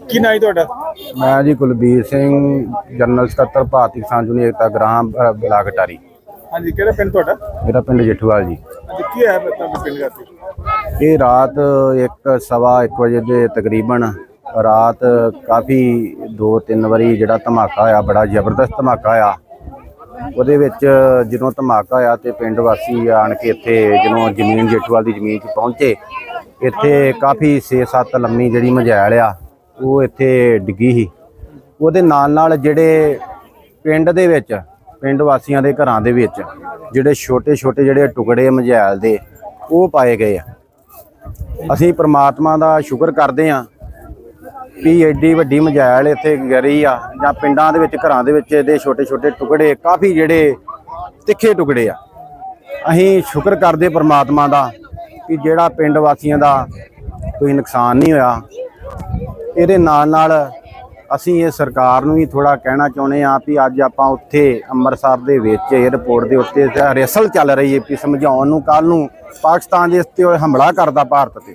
ਕੀ ਨਾਂ ਹੈ ਤੁਹਾਡਾ? मैं जी कुलबीर सिंह जनरल सकत्तर भारतीय किसान यूनियन एकता ग्राम ब्लाक अटारी। ਹਾਂਜੀ, ਕਿਹੜਾ ਪਿੰਡ ਤੁਹਾਡਾ? मेरा पिंड जेठूवाल जी। ਹਾਂਜੀ, ਕੀ ਹੈ ਤੁਹਾਡੇ ਪਿੰਡ ਦਾ? ये रात 1:15 बजे के तकरीबन रात काफ़ी 2-3 वारी जिहड़ा धमाका होया, बड़ा जबरदस्त धमाका होया। ਉਹਦੇ ਵਿੱਚ ਜਦੋਂ ਧਮਾਕਾ ਹੋਇਆ ਤੇ ਪਿੰਡ ਵਾਸੀ ਆਣ ਕੇ ਇੱਥੇ ਜਦੋਂ ਜ਼ਮੀਨ ਜੇਠੂਵਾਲ ਦੀ ਜ਼ਮੀਨ 'ਚ ਪਹੁੰਚੇ, ਇੱਥੇ ਕਾਫੀ 6-7 ਲੰਮੀ ਜਿਹੜੀ ਮਝੈਲ ਆ ਉਹ ਇੱਥੇ ਡਿੱਗੀ ਸੀ। ਉਹਦੇ ਨਾਲ ਜਿਹੜੇ ਪਿੰਡ ਦੇ ਵਿੱਚ ਪਿੰਡ ਵਾਸੀਆਂ ਦੇ ਘਰਾਂ ਦੇ ਵਿੱਚ ਜਿਹੜੇ ਛੋਟੇ ਜਿਹੜੇ ਟੁਕੜੇ ਮਝੈਲ ਦੇ ਉਹ ਪਾਏ ਗਏ ਆ। ਅਸੀਂ ਪ੍ਰਮਾਤਮਾ ਦਾ ਸ਼ੁਕਰ ਕਰਦੇ ਹਾਂ ਵੀ ਐਡੀ ਵੱਡੀ ਮਝੈਲ ਇੱਥੇ ਗਿਰੀ ਆ, ਜਾਂ ਪਿੰਡਾਂ ਦੇ ਵਿੱਚ ਘਰਾਂ ਦੇ ਵਿੱਚ ਇਹਦੇ ਛੋਟੇ ਟੁਕੜੇ ਕਾਫੀ ਜਿਹੜੇ ਤਿੱਖੇ ਟੁਕੜੇ ਆ। ਅਸੀਂ ਸ਼ੁਕਰ ਕਰਦੇ ਪ੍ਰਮਾਤਮਾ ਦਾ ਕਿ ਜਿਹੜਾ ਪਿੰਡ ਵਾਸੀਆਂ ਦਾ ਕੋਈ ਨੁਕਸਾਨ ਨਹੀਂ ਹੋਇਆ। ਇਹਦੇ ਨਾਲ ਅਸੀਂ ਇਹ ਸਰਕਾਰ ਨੂੰ ਵੀ ਥੋੜਾ ਕਹਿਣਾ ਚਾਹੁੰਦੇ ਹਾਂ ਵੀ ਅੱਜ ਆਪਾਂ ਉੱਥੇ ਅੰਮ੍ਰਿਤਸਰ ਦੇ ਵਿੱਚ ਏਅਰਪੋਰਟ ਦੇ ਉੱਤੇ ਰਿਹਰਸਲ ਚੱਲ ਰਹੀ ਹੈ ਵੀ ਸਮਝਾਉਣ ਨੂੰ ਕੱਲ ਨੂੰ ਪਾਕਿਸਤਾਨ ਦੇ ਉੱਤੇ ਹਮਲਾ ਕਰਦਾ ਭਾਰਤ ਤੇ,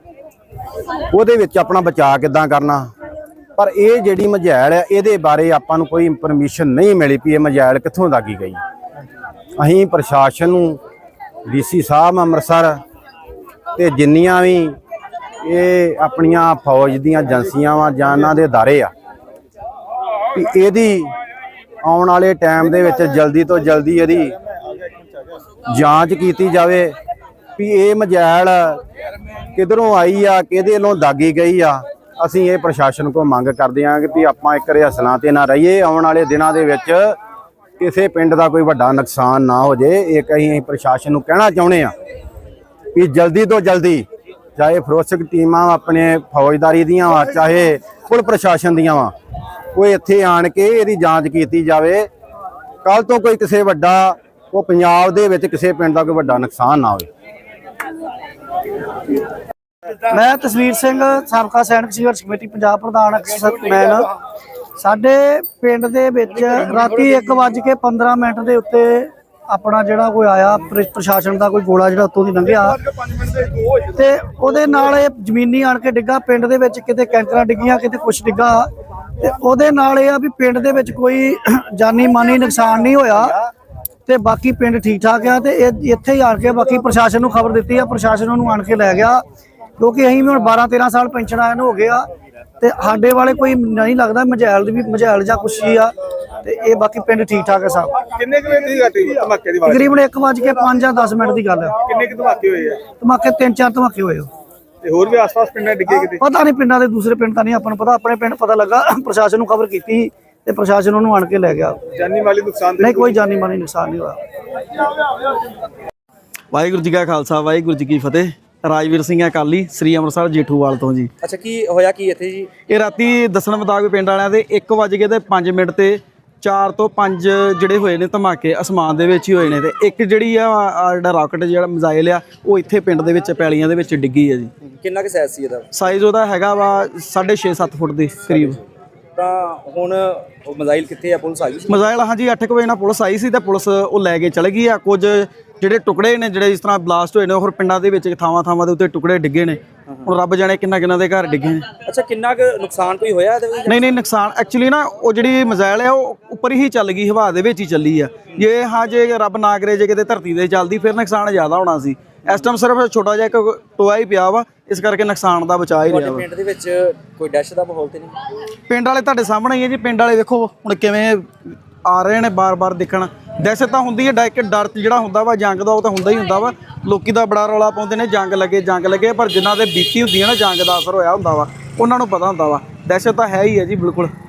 ਉਹਦੇ ਵਿੱਚ ਆਪਣਾ ਬਚਾਅ ਕਿੱਦਾਂ ਕਰਨਾ। ਪਰ ਇਹ ਜਿਹੜੀ ਮਝੈਲ ਹੈ ਇਹਦੇ ਬਾਰੇ ਆਪਾਂ ਨੂੰ ਕੋਈ ਇਨਫੋਰਮੇਸ਼ਨ ਨਹੀਂ ਮਿਲੀ ਵੀ ਇਹ ਮਝੈਲ ਕਿੱਥੋਂ ਦਾਗੀ ਗਈ। ਅਸੀਂ ਪ੍ਰਸ਼ਾਸਨ ਨੂੰ, ਡੀਸੀ ਸਾਹਿਬ ਅੰਮ੍ਰਿਤਸਰ ਤੇ ਜਿੰਨੀਆਂ ਵੀ ਇਹ ਆਪਣੀਆਂ ਫੌਜ ਦੀਆਂ ਏਜੰਸੀਆਂ ਵਾ ਜਾਂ ਇਹਨਾਂ ਦੇ ਅਦਾਰੇ ਆ ਵੀ ਇਹਦੀ ਆਉਣ ਵਾਲੇ ਟਾਈਮ ਦੇ ਵਿੱਚ ਜਲਦੀ ਤੋਂ ਜਲਦੀ ਇਹਦੀ ਜਾਂਚ ਕੀਤੀ ਜਾਵੇ ਵੀ ਇਹ ਮਝੈਲ ਕਿਧਰੋਂ ਆਈ ਆ, ਕਿਹਦੇ ਵੱਲੋਂ ਦਾਗੀ ਗਈ ਆ। ਅਸੀਂ ਇਹ ਪ੍ਰਸ਼ਾਸਨ ਕੋਲ ਮੰਗ ਕਰਦੇ ਹਾਂ ਕਿ ਵੀ ਆਪਾਂ ਇੱਕ ਰਿਹਰਸਲਾਂ ਤੇ ਨਾ ਰਹੀਏ, ਆਉਣ ਵਾਲੇ ਦਿਨਾਂ ਦੇ ਵਿੱਚ ਕਿਸੇ ਪਿੰਡ ਦਾ ਕੋਈ ਵੱਡਾ ਨੁਕਸਾਨ ਨਾ ਹੋ ਜੇ। ਇਹ ਅਸੀਂ ਪ੍ਰਸ਼ਾਸਨ ਨੂੰ ਕਹਿਣਾ ਚਾਹੁੰਦੇ ਹਾਂ ਵੀ ਜਲਦੀ ਤੋਂ ਜਲਦੀ, ਚਾਹੇ ਫੋਰੈਂਸਿਕ ਟੀਮਾਂ ਆਪਣੇ ਫੌਜਦਾਰੀ ਦੀਆਂ ਵਾ, ਚਾਹੇ ਪੁਲਿਸ ਪ੍ਰਸ਼ਾਸਨ ਦੀਆਂ ਵਾ, ਉਹ ਇੱਥੇ ਆਣ ਕੇ ਇਹਦੀ ਜਾਂਚ ਕੀਤੀ ਜਾਵੇ। ਕੱਲ ਤੋਂ ਕੋਈ ਕਿਸੇ ਵੱਡਾ ਉਹ ਪੰਜਾਬ ਦੇ ਵਿੱਚ ਕਿਸੇ ਪਿੰਡ ਦਾ ਕੋਈ ਵੱਡਾ ਨੁਕਸਾਨ ਨਾ ਹੋਵੇ। मैं तस्वीर सिंह साबका सैनिक संघर्ष कमेटी पंजाब प्रधान मैन। साडे पिंड दे विच राती 1:15 ਦੇ ਉੱਤੇ अपना जिहड़ा कोई आया प्रशासन का कोई गोला जिहड़ा उत्तों दी लंघिया ते ओहदे नाल जमीनी आण के डिग्गा। पिंड दे विच किते कैंकरां डिग्गियां, किते कुछ डिग्गा ते ओहदे नाल इह आ भी पिंड दे विच कोई जानी मानी नुकसान नहीं होया ते बाकी पिंड ठीक ठाक आ। ते इत्थे ही आण के बाकी प्रशासन नूं खबर दित्ती आ, प्रशासन उहनूं आण के लै गया क्योंकि असीं भी हुण 12-13 साल पेंशन आए हो गए आ ते साडे वाले कोई नहीं लगदा मझैल दी भी मझैल जां कुछ ही आ ते ये बाकी पिंड ठीक ठाक है साहब। ਕਿੰਨੇ ਕੁ ਵਜੇ ਦੀ ਘਟੀ ਧਮਾਕੇ ਦੀ ਆਵਾਜ਼? तकरीबन 1:05 ਜਾਂ 10 ਮਿੰਟ ਦੀ ਗੱਲ है। ਕਿੰਨੇ ਕੁ ਧਮਾਕੇ ਹੋਏ ਆ? ਧਮਾਕੇ 3-4 ਧਮਾਕੇ ਹੋਏ। ਤੇ ਹੋਰ ਵੀ ਆਸ-ਪਾਸ ਪਿੰਡਾਂ ਡਿੱਗੇ ਕਿਤੇ? ਪਤਾ ਨਹੀਂ ਪਿੰਡਾਂ ਦੇ ਦੂਸਰੇ ਪਿੰਡ ਤਾਂ ਨਹੀਂ ਆਪਾਂ ਨੂੰ ਪਤਾ। ਆਪਣੇ ਪਿੰਡ ਪਤਾ ਲੱਗਾ, ਪ੍ਰਸ਼ਾਸਨ ਨੂੰ ਖਬਰ ਕੀਤੀ ਤੇ ਪ੍ਰਸ਼ਾਸਨ ਉਹਨੂੰ ਆਣ ਕੇ ਲੈ ਗਿਆ। ਜਾਨੀ ਮਾਲੀ ਨੁਕਸਾਨ ਨਹੀਂ, ਕੋਈ ਜਾਨੀ ਮਾਲੀ ਨੁਕਸਾਨ ਨਹੀਂ ਹੋਇਆ। ਵਾਹਿਗੁਰੂ ਜੀ ਕਾ ਖਾਲਸਾ, ਵਾਹਿਗੁਰੂ ਜੀ ਕੀ ਫਤਿਹ। ਰਾਜਵੀਰ ਸਿੰਘ ਅਕਾਲੀ, ਸ੍ਰੀ ਅੰਮ੍ਰਿਤਸਰ ਜੇਠੂਵਾਲ ਤੋਂ ਜੀ। ਅੱਛਾ, ਕੀ ਹੋਇਆ ਕੀ ਇੱਥੇ ਜੀ? ਇਹ ਰਾਤੀ ਦੱਸਣ ਮੁਤਾਬਕ ਪਿੰਡ ਵਾਲਿਆਂ ਦੇ 1:05 ਤੇ 4 ਤੋਂ 5 ਜਿਹੜੇ ਹੋਏ ਨੇ ਧਮਾਕੇ ਅਸਮਾਨ ਦੇ ਵਿੱਚ ਹੀ ਹੋਏ ਨੇ। ਤੇ ਇੱਕ ਜਿਹੜੀ ਆ ਜਿਹੜਾ ਰਾਕਟ ਜਿਹੜਾ ਮਿਜ਼ਾਈਲ ਆ ਉਹ ਇੱਥੇ ਪਿੰਡ ਦੇ ਵਿੱਚ ਪੈਲੀਆਂ ਦੇ ਵਿੱਚ ਡਿੱਗੀ ਆ ਜੀ। ਕਿੰਨਾ ਕੁ ਸਾਈਜ਼ ਸੀ ਇਹਦਾ? ਸਾਈਜ਼ ਉਹਦਾ ਹੈਗਾ ਵਾ 6.5-7 ਫੁੱਟ ਦੇ ਕਰੀਬ। ਤਾਂ ਹੁਣ ਉਹ ਮਜ਼ਾਈਲ ਕਿੱਥੇ ਆ? ਪੁਲਿਸ ਆ ਗਈ? ਮਿਜ਼ਾਈਲ ਹਾਂਜੀ 8 ਵਜੇ ਨਾਲ ਪੁਲਿਸ ਆਈ ਸੀ ਤੇ ਪੁਲਿਸ ਉਹ ਲੈ ਕੇ ਚਲੇ ਗਈ ਆ। ਕੁਝ ਜਿਹੜੇ ਟੁਕੜੇ ਨੇ ਜਿਹੜੇ ਇਸ ਤਰ੍ਹਾਂ ਬਲਾਸਟ ਹੋਏ ਨੇ ਹੋਰ ਪਿੰਡਾਂ ਦੇ ਵਿੱਚ ਥਾਵਾਂ ਦੇ ਉੱਤੇ ਟੁਕੜੇ ਡਿੱਗੇ ਨੇ। ਹੁਣ ਰੱਬ ਜਾਣੇ ਕਿੰਨਾ ਦੇ ਘਰ ਡਿੱਗੇ ਨੇ। ਅੱਛਾ, ਕਿੰਨਾ ਕੁ ਨੁਕਸਾਨ ਕੋਈ ਹੋਇਆ ਇਹਦੇ ਵਿੱਚ? ਨਹੀਂ ਨੁਕਸਾਨ ਐਕਚੁਅਲੀ ਨਾ ਉਹ ਜਿਹੜੀ ਮਿਜ਼ਾਈਲ ਹੈ ਉਹ ਉੱਪਰ ਹੀ ਚੱਲ ਗਈ, ਹਵਾ ਦੇ ਵਿੱਚ ਹੀ ਚੱਲੀ ਆ। ਜੇ ਰੱਬ ਨਾ ਕਰੇ ਜੇ ਕਿਤੇ ਧਰਤੀ ਤੇ ਚੱਲਦੀ ਫਿਰ ਨੁਕਸਾਨ ਜ਼ਿਆਦਾ ਹੋਣਾ ਸੀ। ਇਸ ਟਾਈਮ ਸਿਰਫ ਛੋਟਾ ਜਿਹਾ ਇੱਕ ਟੋਆ ਹੀ ਪਿਆ ਵਾ, ਇਸ ਕਰਕੇ ਨੁਕਸਾਨ ਦਾ ਬਚਾਅ ਹੀ ਰਿਹਾ ਵਾ। ਪਿੰਡ ਦੇ ਵਿੱਚ ਕੋਈ ਡੈਸ਼ ਦਾ ਮਾਹੌਲ ਤੇ ਨਹੀਂ? ਪਿੰਡ ਵਾਲੇ ਤੁਹਾਡੇ ਸਾਹਮਣੇ ਹੀ ਹੈ ਜੀ। ਪਿੰਡ ਵਾਲੇ ਵੇਖੋ ਹੁਣ ਕਿਵੇਂ ਆ ਰਹੇ ਨੇ ਬਾਰ-ਬਾਰ ਦੇਖਣ। ਦਹਿਸ਼ਤ ਤਾਂ ਹੁੰਦੀ ਹੈ, ਡਰ ਜਿਹੜਾ ਹੁੰਦਾ ਵਾ ਜੰਗ ਦਾ ਉਹ ਤਾਂ ਹੁੰਦਾ ਹੀ ਹੁੰਦਾ ਵਾ। ਲੋਕੀ ਦਾ ਬੜਾ ਰੌਲਾ ਪਾਉਂਦੇ ਨੇ ਜੰਗ ਲੱਗੇ, ਪਰ ਜਿਨ੍ਹਾਂ ਦੇ ਬੀਤੀ ਹੁੰਦੀ ਹੈ ਨਾ ਜੰਗ ਦਾ ਅਸਰ ਹੋਇਆ ਹੁੰਦਾ ਵਾ ਉਹਨਾਂ ਨੂੰ ਪਤਾ ਹੁੰਦਾ ਵਾ। ਦਹਿਸ਼ਤ ਤਾਂ ਹੈ ਹੀ ਹੈ ਜੀ, ਬਿਲਕੁਲ।